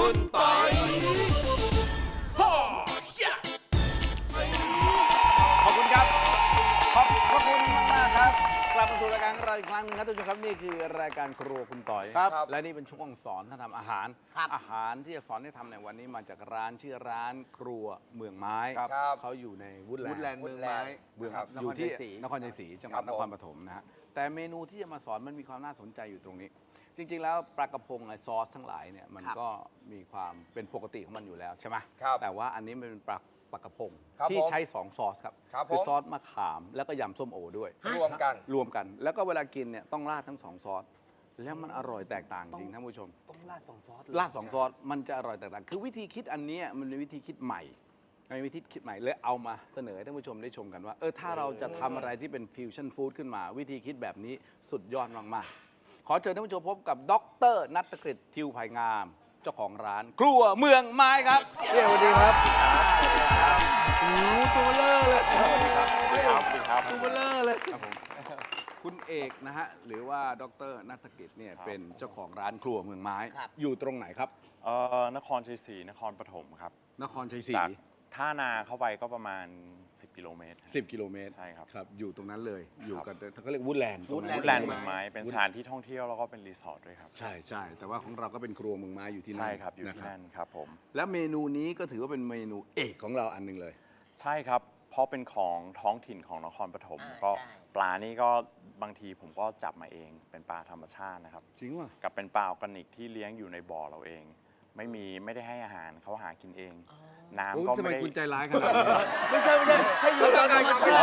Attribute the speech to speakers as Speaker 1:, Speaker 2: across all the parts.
Speaker 1: คุณปอยขอบคุณครับขอบพระคุณมากๆครับกลับมาสู่รายการของเราอีกครั้งนึงครับทุกท่านครับนี่คือรายการครัวคุณต่อยครับและนี่เป็นช่วงสอนท่านทำอาหารอาหารที่จะสอนให้ทำในวันนี้มาจากร้านชื่อร้านครัวเมืองไม้เขาอยู่ในวูดแลนด์
Speaker 2: เมืองไม้
Speaker 1: อยู่ที่นครชัยศรีจังหวัดนครปฐมนะฮะแต่เมนูที่จะมาสอนมันมีความน่าสนใจอยู่ตรงนี้จริงๆแล้วปลากระพงซอสทั้งหลายเนี่ยมันก็มีความเป็นปกติของมันอยู่แล้วใช่ไหมแต่ว่าอันนี้มันเป็นปลากระพงที่ใช้2ซอสครับคือซอสมะขามแล้วก็ยำส้มโอด้วยรวมกันแล้วก็เวลากินเนี่ยต้องราดทั้ง2ซอสแล้วมันอร่อยแตกต่างจริงท่านผู้ชม
Speaker 2: ต้องราด2 ซอส
Speaker 1: ราด2 ซอสมันจะอร่อยแตกต่างคือวิธีคิดอันนี้มันเป็นวิธีคิดใหม่ในวิธีคิดใหม่เลยเอามาเสนอให้ท่านผู้ชมได้ชมกันว่าถ้าเราจะทำอะไรที่เป็นฟิวชั่นฟู้ดขึ้นมาวิธีคิดแบบนี้สุดยอดมากๆขอเชิญท่านผู้ชมพบกับดร.ณัฐกฤษ ทิวไผ่งามเจ้าของร้านครัวเมืองไม้ครับ
Speaker 2: สวัสดีครับ
Speaker 1: ตัวเบลอเลย
Speaker 2: สวัสดีครับ
Speaker 1: ตัวเบลอเลยครับผมคุณเอกนะฮะหรือว่าดร.ณัฐกฤษเนี่ยเป็นเจ้าของร้านครัวเมืองไม้อยู่ตรงไหนครับ
Speaker 3: นครชัยศรีนครปฐมครับ
Speaker 1: นครชัยศรี
Speaker 3: จากท่านาเข้าไปก็ประมาณ10 กิโลเมตร
Speaker 1: 10 กิโลเมตร
Speaker 3: ใช่ครับ
Speaker 1: ครับอยู่ตรงนั้นเลยอยู่กันเขาเรียกวูดแลนด์
Speaker 3: เมืองไม้เป็นสถานที่ท่องเที่ยวแล้วก็เป็นรีสอร์ทด้วยครับ
Speaker 1: ใช่แต่ว่าของเราก็เป็นครัวเมืองไม้อยู่ที่นั่น
Speaker 3: ใช่ครับอยู่ที่นั่นครับผม
Speaker 1: และเมนูนี้ก็ถือว่าเป็นเมนูเอกของเราอันหนึ่งเลย
Speaker 3: ใช่ครับเพราะเป็นของท้องถิ่นของนครปฐมก็ปลานี่ก็บางทีผมก็จับมาเองเป็นปลาธรรมชาตินะครับ
Speaker 1: จริงว่ะ
Speaker 3: กับเป็นปลาออร์แกนิกที่เลี้ยงอยู่ในบ่อเราเองไม่ได้ให้อาหารเขาหากินเองน้ำก็
Speaker 1: ไม่ได้
Speaker 3: คุณ
Speaker 1: ใจร้ายขนาดนี้
Speaker 2: ไม่ใช่ให้อยู่ตามธรรมชาติ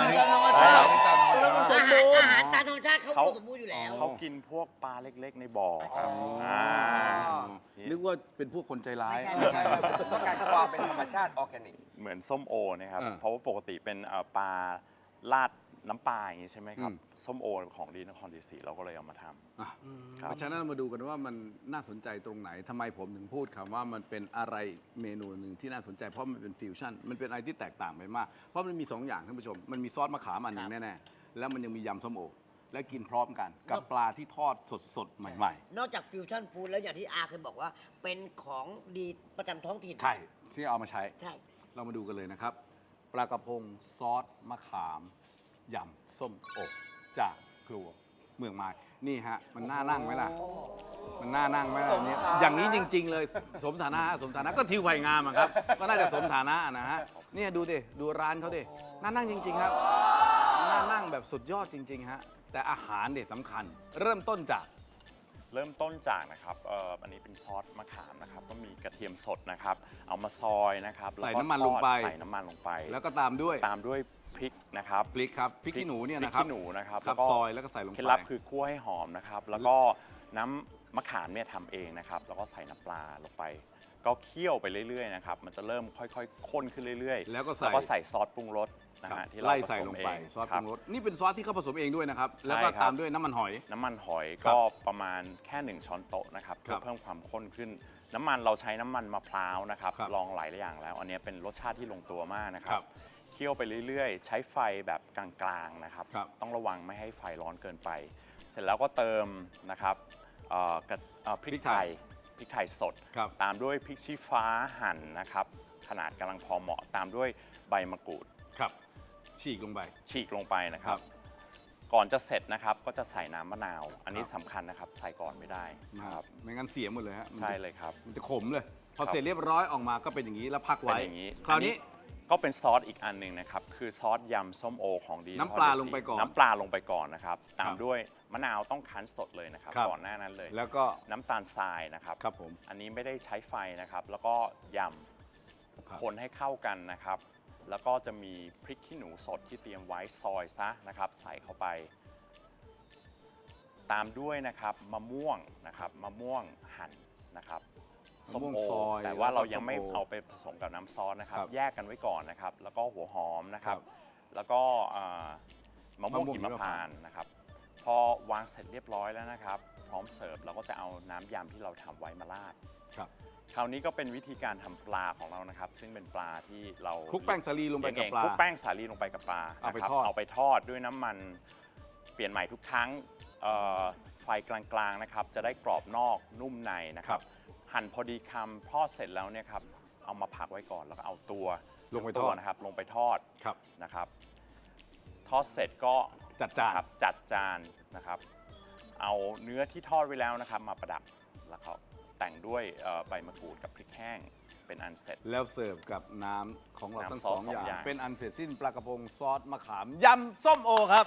Speaker 4: อาหารตามธรรมชาติเขาสมบูรณ์อยู่แล้ว
Speaker 3: เขากินพวกปลาเล็กๆในบ่อครับ
Speaker 1: นึกว่าเป็นพวกคนใจร้าย
Speaker 2: ไม่ใช่ต้องการความเป็นธรรมชาติออร์แกนิก
Speaker 3: เหมือนส้มโอนะครับเพราะว่าปกติเป็นปลาลาดน้ำปลาอย่างนี้ใช่ไหมครับส้มโอของดีนครชัยศรีเราก็เลยเอามาทำ
Speaker 1: เพราะฉะนั้นมาดูกันว่ามันน่าสนใจตรงไหนทำไมผมถึงพูดคำว่ามันเป็นอะไรเมนูหนึ่งที่น่าสนใจเพราะมันเป็นฟิวชั่นมันเป็นอะไรที่แตกต่างไปมากเพราะมันมี2 อย่างท่านผู้ชมมันมีซอสมะขามอันหนึ่งแน่ๆแล้วมันยังมียำส้มโอและกินพร้อมกันกับปลาที่ทอดสดๆใหม่
Speaker 4: ๆนอกจากฟิวชั่นฟู้ดแล้วอย่างที่อาเคยบอกว่าเป็นของดีประจำท้องถิ่น
Speaker 1: ใช่ที่เอามาใช้เรามาดูกันเลยนะครับปลากระพงซอสมะขามยำส้มโอจากครัวเมืองไม้นี่ฮะมันน่านั่งไหมล่ะมันน่านั่งไหมล่ะเนี่ยอย่างนี้จริงๆเลยสมฐานะก็ทิวไผ่งามครับก็น่าจะสมฐานะนะฮะเนี่ยดูดิดูร้านเขาดิน่านั่งจริงๆครับน่านั่งแบบสุดยอดจริงๆฮะแต่อาหารเด็ดสำคัญเริ่มต้นจาก
Speaker 3: นะครับอันนี้เป็นซอสมะขามนะครับก็มีกระเทียมสดนะครับเอามาซอยนะครับ
Speaker 1: ใส่น้ำมันลงไปแล้วก็ตามด้วย
Speaker 3: พริกนะครับ
Speaker 1: พริกขี้หนูเนี่ยนะครับ
Speaker 3: แล้วก็
Speaker 1: ซอยแล้วก็ใส่ลงไป
Speaker 3: เคล็ดลับคือคั่วให้หอมนะครับแล้วก็น้ำมะขามเนี่ยทำเองนะครับแล้วก็ใส่น้ำปลาลงไปก็เคี่ยวไปเรื่อยๆนะครับมันจะเริ่มค่อยๆข้นขึ้นเรื่อยๆ
Speaker 1: แล้วก็
Speaker 3: ใส่ซอสปรุงรสนะฮะที่เราผสมเอง
Speaker 1: ซอสปรุงรสนี่เป็นซอสที่เขาผสมเองด้วยนะครับแล้วก็ตามด้วยน้ำมันหอย
Speaker 3: ก็ประมาณแค่1 ช้อนโต๊ะนะครับเพื่อเพิ่มความข้นขึ้นน้ำมันเราใช้น้ำมันมะพร้าวนะครับลองหลายอย่างแล้วอันนี้เป็นรสชาติที่ลงตัวมากนะครับเคี่ยวไปเรื่อยๆใช้ไฟแบบกลางๆนะครับต้องระวังไม่ให้ไฟร้อนเกินไปเสร็จแล้วก็เติมนะครับพริกไทยสดตามด้วยพริกชี้ฟ้าหั่นนะครับขนาดกำลังพอเหมาะตามด้วยใบมะกรูด
Speaker 1: ฉีกลง
Speaker 3: ไปนะครับก่อนจะเสร็จนะครับก็จะใส่น้ำมะนาวอันนี้สำคัญนะครับใส่ก่อนไม่ได้
Speaker 1: ครับไม่งั้นเสียหมดเลยฮะ
Speaker 3: ใช่เลยครับ
Speaker 1: มันจะขมเลยพอเสร็จเรียบร้อยออกมาก็เป็นอย่างนี้แล้วพักไว้คราวนี้
Speaker 3: ก็เป็นซอสอีกอันหนึ่งนะครับคือซอสยำส้มโอของดี
Speaker 1: น้ำปลาลงไปก่
Speaker 3: อนนะครับตามด้วยมะนาวต้องคั้นสดเลยนะครับก่อนหน้านั้นเลย
Speaker 1: แล้วก็
Speaker 3: น้ำตาลทรายนะครับ
Speaker 1: ผม
Speaker 3: อันนี้ไม่ได้ใช้ไฟนะครับแล้วก็ยำคนให้เข้ากันนะครับแล้วก็จะมีพริกขี้หนูสดที่เตรียมไว้ซอยซะนะครับใส่เข้าไปตามด้วยนะครับมะม่วงหั่นนะครับส้มโอแต่ว่าเรายังไม่เอาไปผสมกับน้ำซอสนะครับแยกกันไว้ก่อนนะครับแล้วก็หัวหอมนะครับแล้วก็มะม่วงหิมพานต์นะครับพอวางเสร็จเรียบร้อยแล้วนะครับพร้อมเสิร์ฟเราก็จะเอาน้ำยำที่เราทำไว้มาราดคราวนี้ก็เป็นวิธีการทำปลาของเรานะครับซึ่งเป็นปลาที่เรา
Speaker 1: คลุกแป้งสาลีลงไปกับปลา
Speaker 3: คลุกแป้งสาลีลงไปกับปลาเอาไปทอดด้วยน้ำมันเปลี่ยนใหม่ทุกครั้งไฟกลางๆนะครับจะได้กรอบนอกนุ่มในนะครับหั่นพอดีคำทอดเสร็จแล้วเนี่ยครับเอามาพักไว้ก่อนแล้วก็เอาตัว
Speaker 1: ลงไปทอด
Speaker 3: นะครับลงไปทอด
Speaker 1: ครับ
Speaker 3: นะครับ ทอดเสร็จก็
Speaker 1: จัดจาน
Speaker 3: ครับจัดจานนะครับ เอาเนื้อที่ทอดไว้แล้วนะครับ มาประดับแล้วก็แต่งด้วยใบมะกรูดกับพริกแห้งเป็นอันเสร็จ
Speaker 1: แล้วเสิร์ฟกับน้ำของเราทั้ง
Speaker 3: น้ำซ
Speaker 1: ส
Speaker 3: อ
Speaker 1: อ
Speaker 3: ส
Speaker 1: ง
Speaker 3: สอง
Speaker 1: อย่าง
Speaker 3: อย่าง
Speaker 1: เป็นอันเสร็จสิ้นปลากระพงซอสมะขามยำส้มโอครับ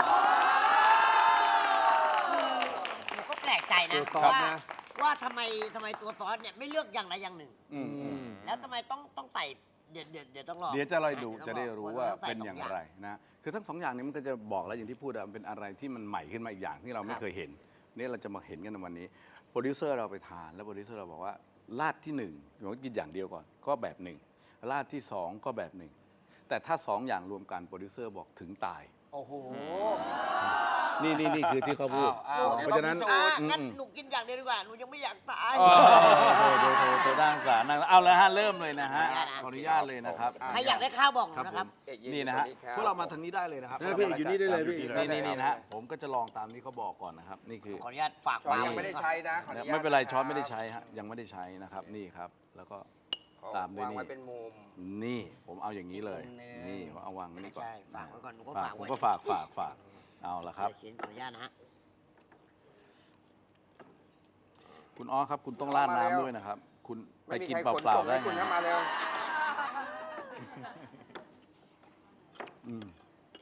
Speaker 4: หนูก็แปลกใจนะ
Speaker 2: ตัวซอสนะ
Speaker 4: ว่าทำไมตัวซอสเนี่ยไม่เลือกอย่างใดอย่างหนึ่ง แล้วทำไมต้องใส่เดี๋ยวต้องรอ
Speaker 1: เดี๋ยวจะลอยดู
Speaker 4: เยว
Speaker 1: จะ
Speaker 4: ต้อง
Speaker 1: ได้
Speaker 4: ลอง
Speaker 1: รู้ว่า
Speaker 4: ต้องใส่
Speaker 1: เป็นอย่าง
Speaker 4: ส
Speaker 1: ไรนะคือทั้งสองอย่างนี้มันก็จะบอกแล้วอย่างที่พูดอะมันเป็นอะไรที่มันใหม่ขึ้นมาอีกอย่างที่เราไม่เคยเห็นนี่เราจะมาเห็นกันในวันนี้โปรดิวเซอร์เราไปทานแล้วโปรดิวเซอร์เราบอกว่าราดที่หนึ่งเรากินอย่างเดียวก่อนก็แบบหนึ่งราดที่สองก็แบบหนึ่งแต่ถ้าสองอย่างรวมกันโปรดิวเซอร์บอกถึงตาย
Speaker 2: โอ้โห
Speaker 1: นี่คือที่เขาพูด
Speaker 2: อ้าว
Speaker 1: เพราะฉะนั้น
Speaker 4: อ่ะงั้นหนูกินอย่างเดียวดีกว่าหนูยังไม่อยากตาย
Speaker 1: โทรด้านสารนั่งเอาแล้วฮะเริ่มเลยนะฮะ
Speaker 4: ข
Speaker 1: ข
Speaker 4: อ
Speaker 1: อ
Speaker 4: อ
Speaker 1: อ
Speaker 4: นุ
Speaker 1: นุ
Speaker 4: ญา
Speaker 1: ญา
Speaker 4: ต
Speaker 1: ตเลยนะครับ
Speaker 4: ใครอยากได้ข้าวบอกหนู
Speaker 1: ครับ
Speaker 4: นะ
Speaker 1: ผ
Speaker 4: ครับ
Speaker 1: มนี่นะฮะพวกเรามาทางนี้ได้เลยนะครับ
Speaker 2: พี่อยู่นี่ได้เลยพี่
Speaker 1: นี่นะฮะผมก็จะลองตามที่เขาบอกก่อนนะครับนี่คือ
Speaker 4: ขออนุญาตฝาก
Speaker 2: ช้อน
Speaker 4: วาง
Speaker 2: ยังไม่ได้ใช้นะขออนุญาต
Speaker 1: ไม่เป็นไร
Speaker 2: ะคบ
Speaker 1: ช้อนไม่ได้ใช้ฮะยังไม่ได้ใช้นะครับนี่ครับ แล้วก็
Speaker 2: ขอ
Speaker 1: ตามด้วย
Speaker 2: วาง
Speaker 1: นี่
Speaker 2: ไว้เป็นมุม
Speaker 1: นี่ผมเอาอย่างนี้เลย
Speaker 2: อีกมุมหนึ่ง
Speaker 1: นี่ผมเอาวางไว้นี่ก่อน
Speaker 4: ใช่ฝากไว้ก่อนหนูก็
Speaker 1: ฝาก
Speaker 4: ฝาก
Speaker 1: ผม
Speaker 4: ไว้
Speaker 1: ก็ฝากเอาละครับ
Speaker 4: เดี๋ยวเขียนขออนุญาตนะฮะ
Speaker 1: คุณอ้อครับ คุณต้องราดน้ำด้วยนะครับ คุณไป
Speaker 2: ไม่มี
Speaker 1: กิน
Speaker 2: ใคร
Speaker 1: เป
Speaker 2: ขน
Speaker 1: ล่า
Speaker 2: ส่ง
Speaker 1: ๆได้
Speaker 2: ให้คุณ
Speaker 1: ไง
Speaker 2: เข้ามาเร็ว
Speaker 1: อืม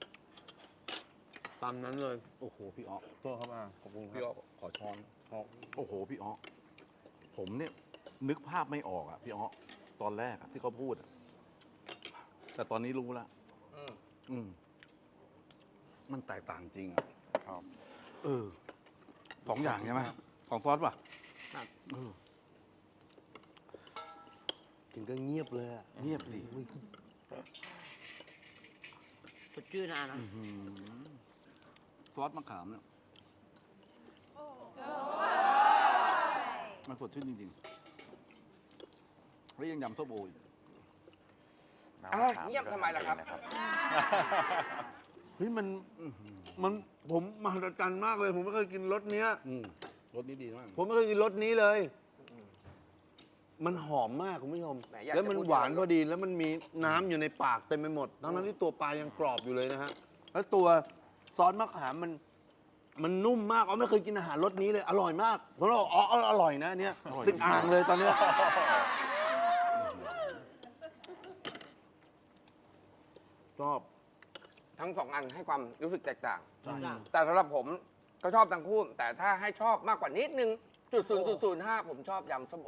Speaker 5: ตามนั้นเลย
Speaker 1: โอ้โหพี่อ้อ
Speaker 5: โทษครับขอบคุณค
Speaker 1: พี่
Speaker 5: รั
Speaker 1: อ้อบ ขอช้อนโอ้โหพี่อ้อผมเนี่ยนึกภาพไม่ออกอ่ะพี่อ้อตอนแรกอะที่เขาพูดอะแต่ตอนนี้รู้แล้ว
Speaker 2: อืม
Speaker 1: อืมมันแตกต่างจริงอ่ะ
Speaker 3: ครับ
Speaker 1: สองอย่างใช่ไหมของซอสป่ะ
Speaker 4: ครับ
Speaker 1: เออ
Speaker 5: ถึงก็เงียบเลยอะ
Speaker 1: เงียบดิ
Speaker 4: สดชื่นนะ
Speaker 1: ซอสมะขามเนี่ยมันสดชื่นจริงๆแล้วยังยำส้มโออีก
Speaker 3: น้ำ
Speaker 2: อ่ะ
Speaker 3: มะขาม
Speaker 2: เงียบทำไมล่ะครับ
Speaker 3: นะครับ
Speaker 5: เฮ้ยมันผมมหัศจรรย์มากเลย ผมไม่เคยกินรสเนี้ย
Speaker 1: รสนี้ดีมาก
Speaker 5: ผมไม่เคยกินรสนี้เลย มันหอมมากคุณผู้ชม
Speaker 2: แหมอยากจะ
Speaker 5: แล้วมัน
Speaker 2: พูด
Speaker 5: หวาน
Speaker 2: เยอะ
Speaker 5: พอดี แล้วมันมีน้ำอยู่ในปากเต็มไปหมด ทั้งที่ตัวปลายังกรอบอยู่เลยนะฮะ แล้วตัวซอสมะขามมันนุ่มมากอ๋อไม่เคยกินอาหารรสนี้เลย อร่อยมากผมบอกอ๋ออร่อยนะอันเนี้ยติดอ่างเลยตอนเนี้ย ชอบ
Speaker 2: ทั้งสองอันให้ความรู้สึกแตกต่าง
Speaker 1: ใช่
Speaker 2: แต่สำหรับผมก็ชอบทั้งคู่ แต่ถ้าให้ชอบมากกว่านิดนึง0.005ผมชอบยำส้มโอ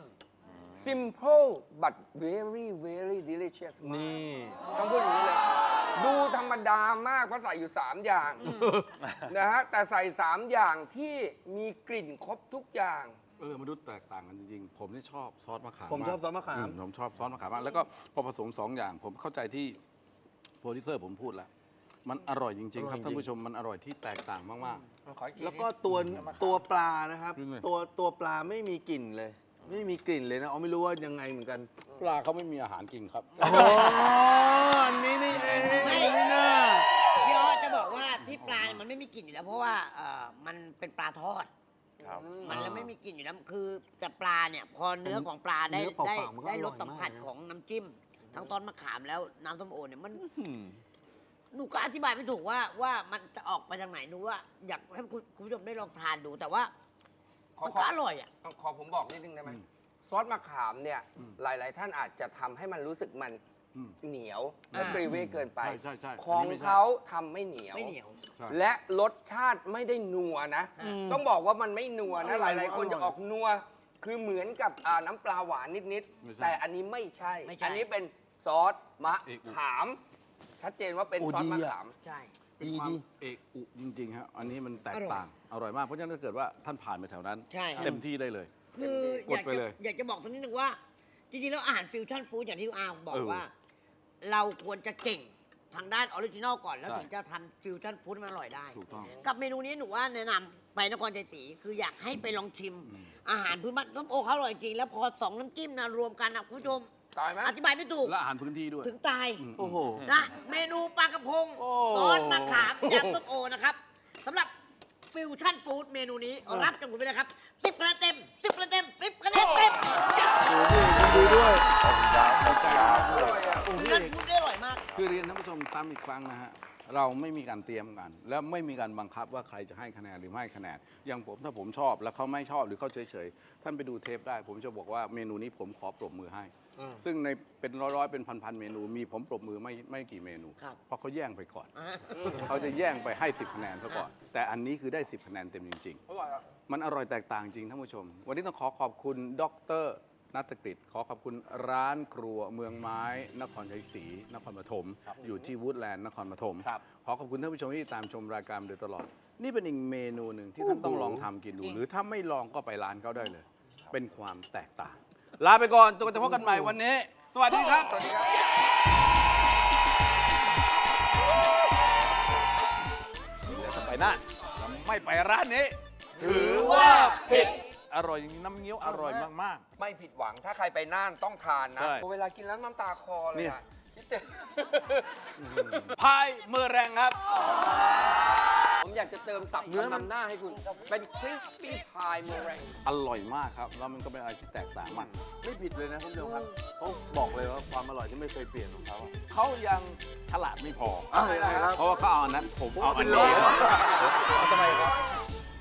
Speaker 2: simple but very very delicious มาก
Speaker 5: นี่
Speaker 2: ต้องพูดอย่างนี้เลย ดูธรรมดามากเพราะใส่อยู่ 3 อย่างนะฮะแต่ใส่ 3 อย่างที่มีกลิ่นครบทุกอย่าง
Speaker 1: มันดูแตกต่างกันจริงๆ ผมนี่ชอบซอสมะขาม
Speaker 5: ผมชอบซอสมะขาม
Speaker 1: ผมชอบซอสมะขามมากแล้วก็พอผสมสองอย่าง ผมเข้าใจที่โปรดิวเซอร์ผมพูดแล้ว มันอร่อยจริงๆ ครับ
Speaker 5: อร่อยจริง
Speaker 1: ท่านผู้ชมมันอร่อยที่แตกต่างมาก
Speaker 2: ขออี
Speaker 5: แล้วก็ตัวปลานะครับ
Speaker 1: จริงเลย
Speaker 5: ตัวปลาไม่มีกลิ่นเลย ไม่มีกลิ่นเลยนะอ๋อไม่รู้ว่ายังไงเหมือนกัน
Speaker 1: ๆ ปลาเขาไม่มีอาหารกินครับ
Speaker 5: อ๋ออันนี้นี่เอง
Speaker 4: ไม่
Speaker 5: นะ
Speaker 4: พี่อ้อจะบอกว่าที่ปลาเนี่ยมันไม่มีกลิ่นอยู่แล้ว เพราะว่ามันเป็นปลาทอด
Speaker 3: ครับ
Speaker 4: มันเลยไม่มีกลิ่นอยู่แล้วคือแต่ปลาเนี่ยพอเนื้อของปลาได้
Speaker 5: เนื้อเป
Speaker 4: ได้
Speaker 5: ล่าๆมันก็
Speaker 4: ได้
Speaker 5: อ
Speaker 4: ร
Speaker 5: ร่
Speaker 4: ส
Speaker 5: อย
Speaker 4: สัมผัส
Speaker 5: ากนะ
Speaker 4: ของน้ำจิ้ม ทั้งต้นมะขามแล้วน้ำส้มโอเนี่ยมัน
Speaker 5: อืม
Speaker 4: หนูก็อธิบายไม่ถูกว่ามันจะออกไปทางไหนหนูว่าอยากให้คุณผู้ชมได้ลองทานดูแต่ว่ามันก็อร่อยอ่ะ
Speaker 2: ขอผมบอกนิดนึงได้ไหมซอสมะขามเนี่ย หลาย ๆ ท่านอาจจะทำให้มันรู้สึกมัน
Speaker 1: อืม
Speaker 2: เหนียวและ
Speaker 4: อ่า
Speaker 2: กรีเวเกินไป
Speaker 1: ใช่
Speaker 2: ของ
Speaker 1: นนี้ไม่ใช่
Speaker 2: เขาทำไม่เหนียว
Speaker 4: ไม่เหนียว
Speaker 1: ใช่
Speaker 2: และรสชาติไม่ได้นัวนะ ต้องบอกว่ามันไม่นัวนะ หลาย ๆ คนจะออกนัว คือเหมือนกับน้ำปลาหวานนิด
Speaker 1: ไม่ใช่
Speaker 2: ๆ แต่อันนี้ไม่ใช่
Speaker 4: ไม่ใช่
Speaker 2: อันนี้เป็นซอสมะ
Speaker 1: เอกอุ
Speaker 2: ขาม ชัดเจนว่าเป็น
Speaker 5: โอ้
Speaker 2: ซอส
Speaker 5: ดี
Speaker 2: มะ
Speaker 5: อะ
Speaker 2: ขาม
Speaker 4: ใช่
Speaker 1: เป็นความเอกอุจริงๆฮะอันนี้มันแตก
Speaker 4: อร่อย
Speaker 1: ต่าง อร่อยมาก เพราะฉะนั้นถ้าเกิดว่าท่านผ่านไปแถวนั้น
Speaker 4: ใช่ครับ
Speaker 1: เต็มที่ได้เลย
Speaker 4: คือก
Speaker 1: ดไปเลย
Speaker 4: อยากจะบอกตรงนี้นึงว่า จริงๆแล้วอาหารฟิวชั่นฟู้ดอย่างที่อาบอก
Speaker 1: เออ
Speaker 4: ว่า เราควรจะเก่งทางด้านออริจินอลก่อนแล้ว
Speaker 1: ใช่
Speaker 4: ถึงจะทำฟิวชั่นฟู้ดให้มันอร่อยได้
Speaker 1: ถูกต้อง
Speaker 4: กับเมนูนี้หนูว่าแนะนำไปนครใจศรีคืออยากให้ไปลองชิม อาหารพื้นบ้านน้ำโอเขาอร่อยจริง แล้วพอสองน้ำจิ้มนะรวมกันนะคุณผู้ชม
Speaker 2: ตายไหม
Speaker 4: อธิบายไม่ถูก
Speaker 1: และอาหารพื้นที่ด้วย
Speaker 4: ถึงตาย
Speaker 1: ม
Speaker 5: โอ้โห
Speaker 4: นะเมนูปลากระพง
Speaker 5: โอ้
Speaker 4: ซอสมะขามยำต้มโอนะครับสำหรับฟิวชั่นฟู้ดเมนูนี้รับจากผมไปเลยครับ10 คะแนนเต็ม 10 คะแนนเต็ม 10 คะแนนเต็ม
Speaker 5: ดีด้วย
Speaker 1: ใจมากเลย
Speaker 4: นั่นพูดได้อร่อยมาก
Speaker 1: คือเรียนท่านผู้ชมซ้ำอีกครั้งนะฮะ เราไม่มีการเตรียมกัน และไม่มีการบังคับว่าใครจะให้คะแนนหรือไม่ให้คะแนน อย่างผมถ้าผมชอบแล้วเขาไม่ชอบหรือเขาเฉยๆ ท่านไปดูเทปได้ ผมจะบอกว่าเมนูนี้ผมขอปรบมือให้ ซึ่งในเป็นร้อยๆเป็นพันๆเมนู มีผมปรบมือไม่กี่เมนู
Speaker 4: ครับ
Speaker 1: เพราะเขาแย่งไปก่อน เขาจะแย่งไปให้10คะแนนซะก่อน แต่อันนี้คือได้10คะแนนเต็มจริง
Speaker 2: อร่อยอ่ะ
Speaker 1: ๆ มันอร่อยแตกต่างจริงท่านผู้ชม วันนี้ต้องขอขอบคุณดรนัตกฤษขอขอบคุณร้านครัวเมืองไม้นครชัยศรีนครปฐมอยู่ที่วูดแลนด์นครปฐม
Speaker 5: ครับ
Speaker 1: ขอขอบคุณท่านผู้ชมที่ตามชมรายการมาโดยตลอด นี่เป็นอีกเมนูหนึ่งที่ท่านต้องลองทำกินดู หรือถ้าไม่ลองก็ไปร้านเขาได้เลย เป็นความแตกต่าง ลาไปก่อนจนกว่าจะพบกันใหม่วันนี้ สวัสดีครับ
Speaker 2: สวัสดีครับ
Speaker 1: แล้วถ้าไปน่านเราไม่ไปร้านนี้
Speaker 2: ถือว่าผิด
Speaker 1: อร่อยจริงน้ำเงี้ยวอร่อยมาก
Speaker 2: ไม่ผิดหวังถ้าใครไปน่านต้องทานนะ
Speaker 1: ใช่
Speaker 2: เวลากินแล้วน้ำตาคลอเลย
Speaker 1: เนี่
Speaker 2: อ่ะ
Speaker 1: ย
Speaker 2: คิดแต่
Speaker 1: ๆ พายมือแรงครับ
Speaker 2: ผมอยากจะเติมสับเนื้อนำหน้าให้คุณ เป็นคริสปี้พายเมอแรง
Speaker 1: อร่อยมากครับ แล้วมันก็เป็นอะไรที่แตกต่างมาก
Speaker 5: ไม่ผิดเลยนะคุณผู้ชมครับเขาบอกเลยว่าความอร่อยที่ไม่เคยเปลี่ยนของเขาอะ
Speaker 1: เขายังฉลาดไม่พอ
Speaker 5: อะไรครับ
Speaker 1: เพราะว่าเขาเอาอันนั้น ผมเอาอันนี้
Speaker 5: ทำไมครับ